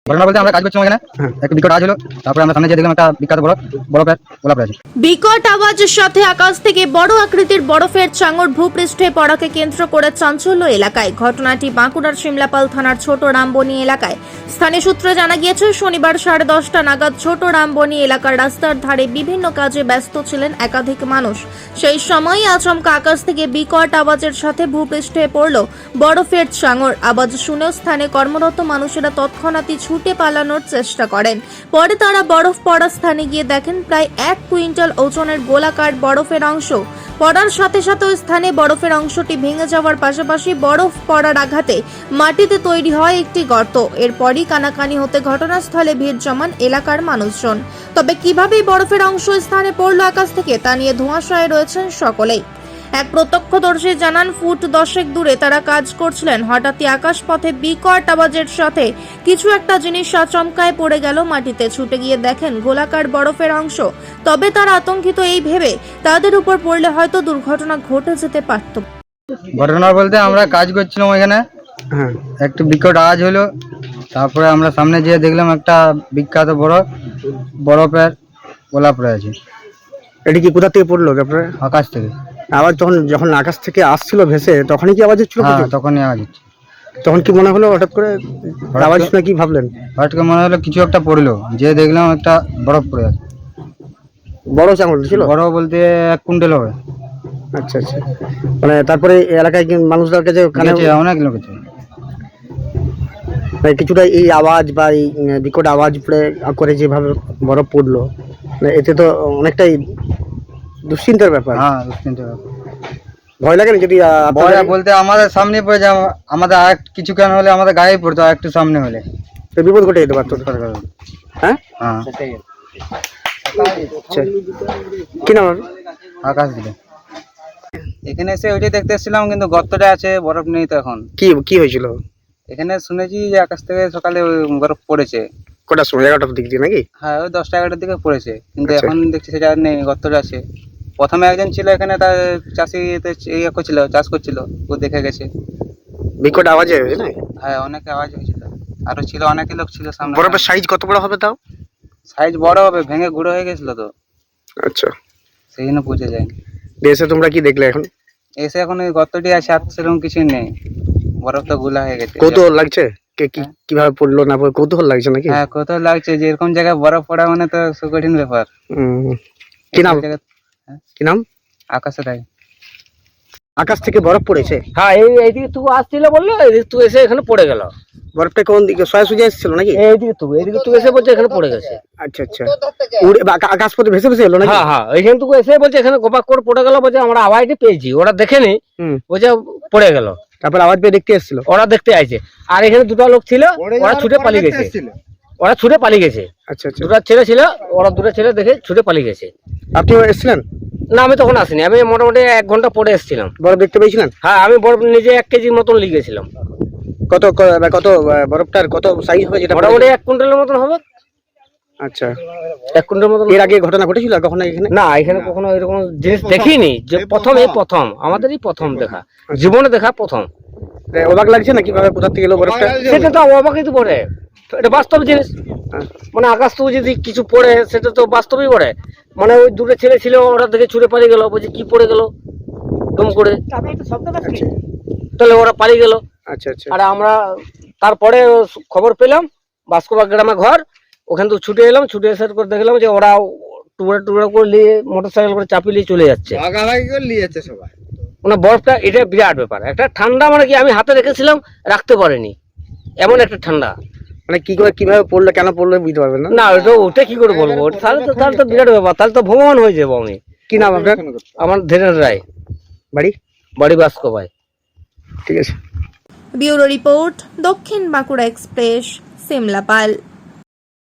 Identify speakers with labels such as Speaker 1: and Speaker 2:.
Speaker 1: ঘটনা বলতে আমরা কাজ করছিলাম এখানে, একটু বিকট আওয়াজ হলো, তারপরে আমরা সামনে যে দেখলাম একটা বিখ্যাত বরফের গোলাপ আছে।
Speaker 2: বিকট আওয়াজের সাথে আকাশ থেকে বড় আকৃতির বরফের চাঙড় ভূপৃষ্ঠে পড়াকে কেন্দ্র করে চাঞ্চল্য এলাকায়। ঘটনাটি বাঁকুড়ার শিমলাপাল থানার ছোট রামবনি এলাকায়। স্থানীয় সূত্রে জানা গিয়েছে, শনিবার 10:30 নাগাদ ছোট রামবনি এলাকার রাস্তার ধারে বিভিন্ন কাজে ব্যস্ত ছিলেন একাধিক মানুষ। সেই সময় আচমকা আকাশ থেকে বিকট আওয়াজের সাথে ভূপৃষ্ঠে পড়ল বরফের চাঙড়। আওয়াজ শুনে স্থানে কর্মরত মানুষেরা তৎক্ষণাৎই ছুটে পালানোর চেষ্টা করেন। পরে তারা বরফ পড়া স্থানে গিয়ে দেখেন প্রায় 1 কুইন্টাল ওজনের গোলাকার বরফের অংশ পড়ার সাথে সাথে ওই স্থানে বরফের অংশটি ভেঙে যাওয়ার পাশাপাশি বরফ পড়ার আঘাতে মাটিতে তৈরি হয় একটি গর্ত। এরপরই কানাকানি হতে ঘটনাস্থলে ভিড় জমান এলাকার মানুষজন। তবে কিভাবে বরফের অংশ স্থানে পড়ল আকাশ থেকে তা নিয়ে ধোঁয়াশায় রয়েছেন সকলেই। এক প্রত্যক্ষদর্শী জানান, ফুট 10 দূরে তারা কাজ করছিলেন। হঠাৎই আকাশপথে বিকট আওয়াজের সাথে কিছু একটা জিনিস আচমকায় পড়ে গেল মাটিতে। ছুটে গিয়ে দেখেন গোলাকার বরফের অংশ। তবে তারা আতঙ্কিত এই ভেবে তাদের উপর পড়লে হয়তো দুর্ঘটনা ঘটে যেতে পারত।
Speaker 1: ঘটনা বলতে আমরা কাজ করছিলাম এখানে, একটু বিকট আওয়াজ হলো, তারপরে আমরা সামনে যেয়ে দেখলাম একটা বিখ্যাত বরফের গোলাপ রয়েছে।
Speaker 3: এটা কি কোথা থেকে পড়লো আপনার?
Speaker 1: আকাশ থেকে।
Speaker 3: আওয়াজ যখন আকাশ থেকে আসছিল ভেসে, তখনই কি আওয়াজ হচ্ছিল?
Speaker 1: হ্যাঁ, তখনই আওয়াজ হচ্ছে।
Speaker 3: তখন কি মনে হলো হঠাৎ করে আওয়াজ শুনে কি ভাবলেন?
Speaker 1: হঠাৎ করে মনে হলো কিছু একটা পড়লো, যে দেখলাম একটা বরফ পড়ে আছে।
Speaker 3: বড় চাঙড় ছিল?
Speaker 1: বড় বলতে 1 কুইন্টাল হবে।
Speaker 3: আচ্ছা আচ্ছা। মানে তারপরে এই এলাকায় কি মানুষদের কাছে
Speaker 1: অনেক লোক আছে।
Speaker 3: মানে কিছুটা এই আওয়াজ বা এই বিকট আওয়াজ করে যেভাবে বরফ পড়লো, মানে এতে তো অনেকটাই দুশ্চিন্তার ব্যাপার।
Speaker 1: হ্যাঁ, দুশ্চিন্তার ব্যাপার।
Speaker 3: ভয় লাগে না যদি
Speaker 1: ভয় বলতে আমাদের সামনে পড়ে যায়, আমাদের আর কিছু কেন হলে আমাদের গায়ে পড়তো, আর একটু সামনে হলে
Speaker 3: তো বিপদ ঘটে যেতে পারতো। হ্যাঁ
Speaker 1: হ্যাঁ,
Speaker 3: আচ্ছা। কি নাম?
Speaker 1: আকাশ দিলে। এখানে এসে ওইটাই দেখতে এসেছিলাম, কিন্তু গর্তটা আছে, বরফ নেই তো এখন।
Speaker 3: কি হয়েছিল
Speaker 1: এখানে শুনেছি যে আকাশ থেকে সকালে বরফ পড়েছে।
Speaker 3: কটার সময়? 11টার দিক দিয়ে নাকি?
Speaker 1: হ্যাঁ, ওই 10টা-11টার দিকে পড়েছে, কিন্তু
Speaker 3: আচ্ছা।
Speaker 1: এখন দেখছি সেটা আর নেই, গর্তটা আছে। প্রথমে একজন ছিল এখানে, তার চাষি করছিল, চাষ করছিল, ও দেখে গেছে।
Speaker 3: বিকট আওয়াজে না?
Speaker 1: হ্যাঁ, অনেক আওয়াজ হয়েছিল, আরো ছিল, অনেক লোক ছিল সামনে।
Speaker 3: বরফের সাইজ কত বড় হবে তাও?
Speaker 1: সাইজ বড় হবে, ভেঙে গুঁড়ো হয়ে গেছিল তো,
Speaker 3: আচ্ছা,
Speaker 1: সেই জন্য বুঝে যায়নি।
Speaker 3: এসে তোমরা কি দেখলে এখন?
Speaker 1: এসে এখন ওই গর্তটি আছে, আর সেরকম কিছুই নেই, বরফ তো গুলা হয়ে গেছে।
Speaker 3: কৌতূহল লাগছে কিভাবে পড়লো না পড়লো, কৌতূহল লাগছে নাকি?
Speaker 1: হ্যাঁ, কৌতূহল লাগছে, যে এরকম জায়গায় বরফ পড়া মানে তো কঠিন ব্যাপার।
Speaker 3: কি নাম? কি নাম?
Speaker 1: আকাশে থাকে।
Speaker 3: আকাশ থেকে বরফ পড়েছে?
Speaker 4: হ্যাঁ, এইদিকে তুই আসছিল বললো, এইদিকে তুই এসে এখানে পড়ে গেল।
Speaker 3: বরফটা কোন দিকে? সোজা এসেছিল নাকি?
Speaker 4: এইদিকে তুই এসে বলছে এখানে পড়ে গেছে।
Speaker 3: আচ্ছা আচ্ছা। আকাশ পথে ভেসে ভেসে এলো নাকি?
Speaker 4: হ্যাঁ হ্যাঁ, এইখানে তুই এসে বলছে এখানে গোপাক করে পড়ে গেল, বলছে আমরা আওয়াজটি পেয়েছি, ওরা দেখেনি, বলছে পড়ে গেল।
Speaker 3: তারপর আওয়াজ পেয়ে দেখতে এসেছিল?
Speaker 4: ওরা দেখতে আইছে, আর এখানে দুটো লোক ছিল, ওরা ছুটে পালিয়ে গেছে।
Speaker 3: আচ্ছা আচ্ছা।
Speaker 4: দুটো ছেলে ছিল, ওরা দুটো ছেলে দেখে ছুটে পালিয়ে গেছে।
Speaker 3: আপনি এসেছিলেন?
Speaker 4: না, আমি তখন আসিনি, আমি মোটামুটি 1 ঘন্টা পরে এসেছিলাম।
Speaker 3: বরফ দেখতে পেয়েছিলেন?
Speaker 4: হ্যাঁ, আমি বরফ নিজে 1 কেজির মতন লিখেছিলাম।
Speaker 3: কত কত বরফটার কত সাইজ হবে যেটা?
Speaker 4: মোটামুটি 1 কুইন্টালের মতন হবে।
Speaker 3: আচ্ছা,
Speaker 4: 1 কুইন্টালের মতন।
Speaker 3: এর আগে ঘটনা ঘটেছিল কখনো এখানে?
Speaker 4: না, এখানে কখনো এরকম জিনিস দেখিনি, যে প্রথম আমাদেরই প্রথম দেখা, জীবনে দেখা প্রথম।
Speaker 3: অবাক লাগছে না কিভাবে কোথা থেকে এলো বরফটা?
Speaker 4: সেটা তো অবাকই তো পড়ে, এটা বাস্তব জিনিস। মানে আকাশ তো যদি কিছু পড়ে, সেটা তো বাস্তবই পড়ে। মানে ওই দুটো ছেলে ছিল, ওরা দেখে ছুটে পালিয়ে গেল, বলছে কি পড়ে গেল দম করে, তাহলে ওরা পালিয়ে গেল।
Speaker 3: আচ্ছা আচ্ছা।
Speaker 4: আর আমরা তারপরে খবর পেলাম, বাস্কোবা গ্রামে ঘর, ওখান থেকে ছুটে এলাম, ছুটে এসে করে দেখলাম যে ওরা টুকরা করে নিয়ে মোটরসাইকেল করে চাপিয়ে নিয়ে চলে যাচ্ছে।
Speaker 3: সবাই
Speaker 4: মানে বরফটা এটা বিরাট ব্যাপার, একটা ঠান্ডা, মানে কি আমি হাতে রেখেছিলাম, রাখতে পারিনি, এমন একটা ঠান্ডা।
Speaker 3: মানে কি করে কিভাবে পড়লো, কেন পড়লো বুঝতে পারবেন না?
Speaker 4: না, ওটা কি করে বলবো, তাহলে তো বিরাট ব্যাপার, তাহলে তো ভগবান হয়ে যাবো আমি।
Speaker 3: কি নাম আপনার?
Speaker 4: আমার ধীরেন রায়। বাড়ি বাস্কোবাই।
Speaker 3: ঠিক আছে।
Speaker 2: ব্যুরো রিপোর্ট, দক্ষিণ বাঁকুড়া এক্সপ্রেস, সিমলাপাল।